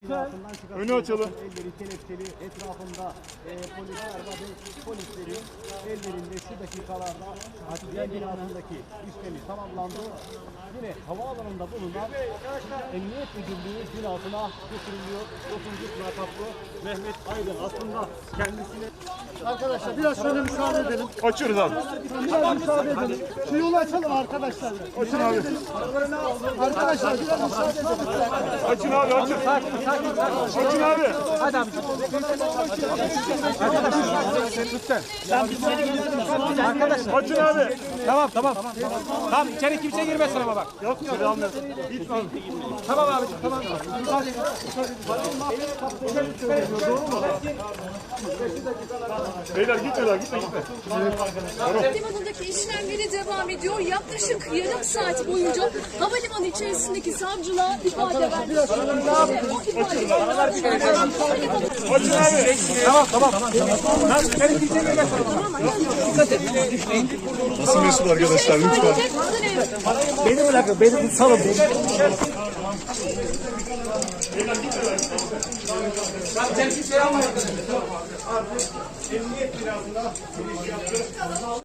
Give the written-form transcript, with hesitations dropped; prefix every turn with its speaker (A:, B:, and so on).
A: Önü açalım.
B: Elleri kelepçeli, etrafında polisler var. Polislerin ellerinde şu dakikalarda adliye binasındaki işlemi tamamlandı. Yine havaalanında bulunan Emniyet Müdürlüğü binasına götürülüyor. 9. lakaplı Mehmet Aydın aslında kendisine...
C: Arkadaşlar biraz şöyle müsaade edelim.
A: Açıyoruz abi.
C: Biraz müsaade edelim. Şu yolu açalım arkadaşlar.
A: Açın abi.
C: Arkadaşlar biraz müsaade edelim.
A: Açın abi açın. Açın abi.
D: Hadi abi. Arkadaşlar.
A: Açın abi.
D: Tamam. Tamam içeri kimse girmesin ama bak.
A: Yok yok.
D: Tamam abi. Tamam.
A: Beyler gitme.
E: Havalimanındaki işlemleri devam ediyor. Yaklaşık yarım saat boyunca havalimanı içerisindeki savcılığa ifade verdi.
A: Açın abi.
D: Tamam. İçeri kimse girmesin ama.
A: Nasıl mesul arkadaşlar lütfen.
D: Beni bırakın. Beni salın.
A: Emniyet binasında giriş yaptı.